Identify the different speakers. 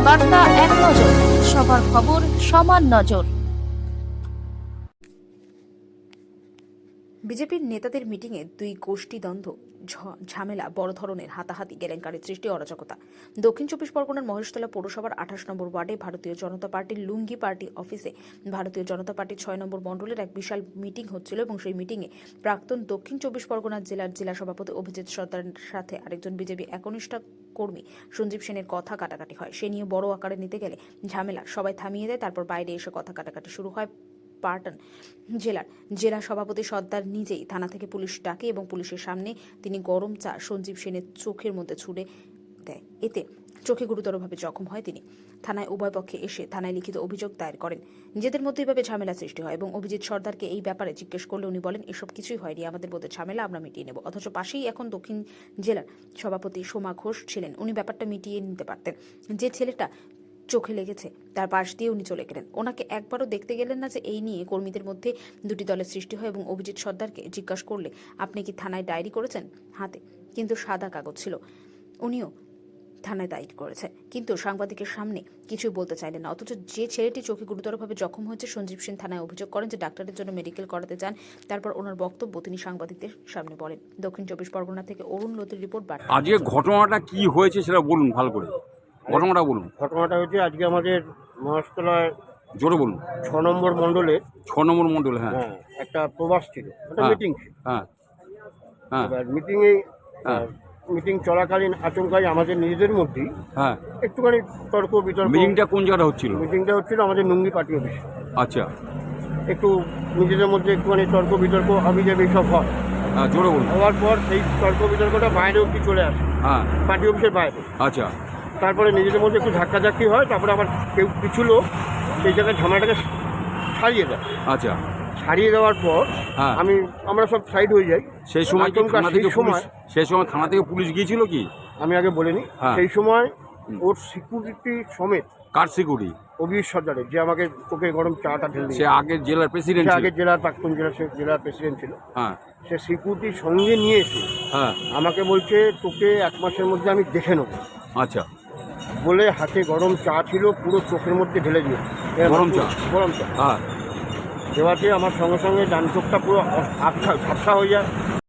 Speaker 1: বার্তা এক নজর, সবার খবর সমান নজর।
Speaker 2: বিজেপির নেতাদের মিটিংয়ে দুই গোষ্ঠী দ্বন্দ্ব, ঝামেলা, বড় ধরনের হাতাহাতি, কেলেঙ্কারির সৃষ্টি, অরাজকতা। দক্ষিণ চব্বিশ পরগনার মহেশতলা পৌরসভার 28 নম্বর ওয়ার্ডে ভারতীয় জনতা পার্টির লুঙ্গি পার্টি অফিসে ভারতীয় জনতা পার্টির 6 নম্বর মণ্ডলের এক বিশাল মিটিং হচ্ছিল এবং সেই মিটিংয়ে প্রাক্তন দক্ষিণ চব্বিশ পরগনা জেলার জেলা সভাপতি অভিজিৎ সর্দারের সাথে আরেকজন বিজেপি একনিষ্ঠ কর্মী সঞ্জীব সেনের কথা কাটাকাটি হয়। সে নিয়ে বড় আকারে নিতে গেলে ঝামেলা, সবাই থামিয়ে দেয়। তারপর বাইরে এসে কথা কাটাকাটি শুরু হয়। পাটন জেলা সভাপতি সর্দার নিজেই থানা থেকে পুলিশ ডাকে এবং পুলিশের সামনে তিনি গরম চা সঞ্জীব সেনের চোখের মধ্যে ছুড়ে দেয়। এতে চোখে গুরুতরভাবে জখম হয় তিনি। থানায় উভয় পক্ষে এসে থানায় লিখিত অভিযোগ দায়ের করেন। নিজেদের মধ্যে এইভাবে ঝামেলা সৃষ্টি হয় এবং অভিজিৎ সর্দারকে এই ব্যাপারে জিজ্ঞেস করলে উনি বলেন, এসব কিছুই হয়নি, আমাদের মধ্যে ঝামেলা, আমরা মিটিয়ে নেব। অথচ পাশেই এখন দক্ষিণ জেলার সভাপতি সোমা ঘোষ ছিলেন, উনি ব্যাপারটা মিটিয়ে নিতে পারতেন। যে ছেলেটা চোখে লেগেছে তার পাশ দিয়ে উনি চলে গেলেন, ওনাকে একবারও দেখতে গেলেন না যে এই নিয়ে কর্মীদের মধ্যে দুটি দলের সৃষ্টি হয়। এবং অভিজিৎ সর্দারকে জিজ্ঞাসা করলে, আপনি কি থানায় ডায়েরি করেছেন? হাতে কিন্তু সাদা কাগজ ছিল। উনিও থানায় ডায়েরি করেছে, কিন্তু সাংবাদিকের সামনে কিছুই বলতে চাইলেন না। অথচ যে ছেলেটি চোখে গুরুতরভাবে জখম হয়েছে, সঞ্জীব সেন থানায় অভিযোগ করেন যে ডাক্তারের জন্য মেডিকেল করাতে চান। তারপর ওনার বক্তব্য তিনি সাংবাদিকদের সামনে বলেন। দক্ষিণ চব্বিশ পরগনা থেকে অরুণ লতির রিপোর্ট।
Speaker 3: আজকে ঘটনাটা কি হয়েছে সেটা বলুন, ভালো করে ঘটনাটা বলুন।
Speaker 4: ঘটনাটা হচ্ছে আজকে আমাদের মহেশতলায়
Speaker 3: জোরে বলুন।
Speaker 4: 6 নম্বর মণ্ডলে
Speaker 3: 6 নম্বর মণ্ডল। হ্যাঁ
Speaker 4: একটা প্রবাস ছিল, একটা
Speaker 3: হ্যাঁ।
Speaker 4: মিটিং ছিল।
Speaker 3: হ্যাঁ হ্যাঁ
Speaker 4: এবার
Speaker 3: হ্যাঁ।
Speaker 4: মিটিং চলাকালীন আচমকাই আমাদের নিজেদের মধ্যেই
Speaker 3: হ্যাঁ।
Speaker 4: একটুখানি তর্ক বিতর্ক।
Speaker 3: মিটিংটা কোন জায়গাটা হচ্ছিল?
Speaker 4: মিটিংটা হচ্ছিল আমাদের লুঙ্গি পার্টি অফিস।
Speaker 3: আচ্ছা,
Speaker 4: একটু নিজেদের মধ্যে একটুখানি তর্ক বিতর্ক আবিজাবি সব হয়।
Speaker 3: হ্যাঁ জোরে বলুন।
Speaker 4: হওয়ার পর সেই তর্ক বিতর্কটা বাইরে অব্দি চলে আসে,
Speaker 3: হ্যাঁ
Speaker 4: পার্টি অফিসের বাইরে।
Speaker 3: আচ্ছা,
Speaker 4: তারপরে নিজেদের মধ্যে একটু ধাক্কাধাক্কি হয়। তারপরে আবার কেউ কিছু লোক সেই জায়গায় ঝামেলাটাকে ছাড়িয়ে দেয়।
Speaker 3: আচ্ছা।
Speaker 4: ছাড়িয়ে দেওয়ার পর
Speaker 3: হ্যাঁ।
Speaker 4: আমরা সব সাইড হয়ে যাই।
Speaker 3: সেই সময় কি
Speaker 4: আচমকা
Speaker 3: থানা থেকে
Speaker 4: সেই সময়
Speaker 3: সেই সময় থানা থেকে পুলিশ গিয়েছিল কি?
Speaker 4: আমি আগে বলিনি।
Speaker 3: হ্যাঁ।
Speaker 4: সেই সময় ওর সিকিউরিটি সমেত
Speaker 3: কার সিকিউরিটি?
Speaker 4: অভিজিৎ সর্দারের, যে আমাকে চোখে গরম চাটা ঢেলে
Speaker 3: সে
Speaker 4: দিয়েছে।
Speaker 3: আগের জেলার প্রেসিডেন্ট
Speaker 4: সে
Speaker 3: ছিল।
Speaker 4: আগের জেলার প্রাক্তন জেলার প্রেসিডেন্ট ছিল।
Speaker 3: হ্যাঁ
Speaker 4: সে সিকিউরিটির সঙ্গে নিয়ে এসে
Speaker 3: হ্যাঁ।
Speaker 4: আমাকে বলছে, তোকে 1 মাসের মধ্যে আমি দেখে নেবো
Speaker 3: আচ্ছা।
Speaker 4: বলে হাতে গরম চা ছিল, পুরো চোখের মধ্যে ঢেলে দিয়ে।
Speaker 3: গরম চা?
Speaker 4: গরম চা
Speaker 3: হ্যাঁ
Speaker 4: দেওয়াতে আমার সঙ্গে সঙ্গে ডান চোখটা পুরো ঝাপসা হয়ে যায়।